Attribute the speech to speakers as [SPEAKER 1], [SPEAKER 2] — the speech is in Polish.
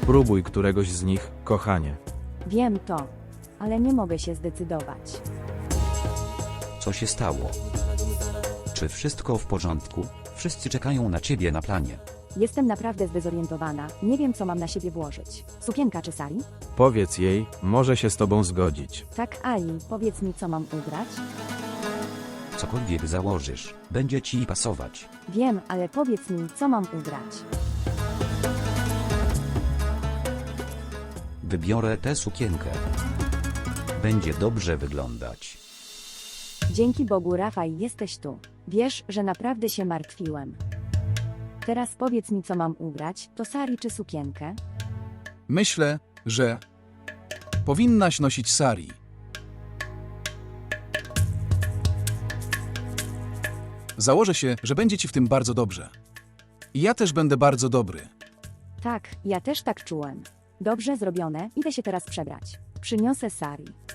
[SPEAKER 1] Spróbuj któregoś z nich, kochanie.
[SPEAKER 2] Wiem to, ale nie mogę się zdecydować.
[SPEAKER 3] Co się stało? Czy wszystko w porządku? Wszyscy czekają na ciebie na planie.
[SPEAKER 2] Jestem naprawdę zdezorientowana, nie wiem co mam na siebie włożyć. Sukienka czy sari?
[SPEAKER 1] Powiedz jej, może się z tobą zgodzić.
[SPEAKER 2] Tak, Ali, powiedz mi co mam ubrać?
[SPEAKER 3] Cokolwiek założysz, będzie ci pasować.
[SPEAKER 2] Wiem, ale powiedz mi co mam ubrać.
[SPEAKER 3] Wybiorę tę sukienkę. Będzie dobrze wyglądać.
[SPEAKER 2] Dzięki Bogu, Rafał, jesteś tu. Wiesz, że naprawdę się martwiłem. Teraz powiedz mi co mam ubrać, to sari czy sukienkę?
[SPEAKER 4] Myślę, że powinnaś nosić sari. Założę się, że będzie ci w tym bardzo dobrze. I ja też będę bardzo dobry.
[SPEAKER 2] Tak, ja też tak czułem. Dobrze zrobione, idę się teraz przebrać. Przyniosę sari.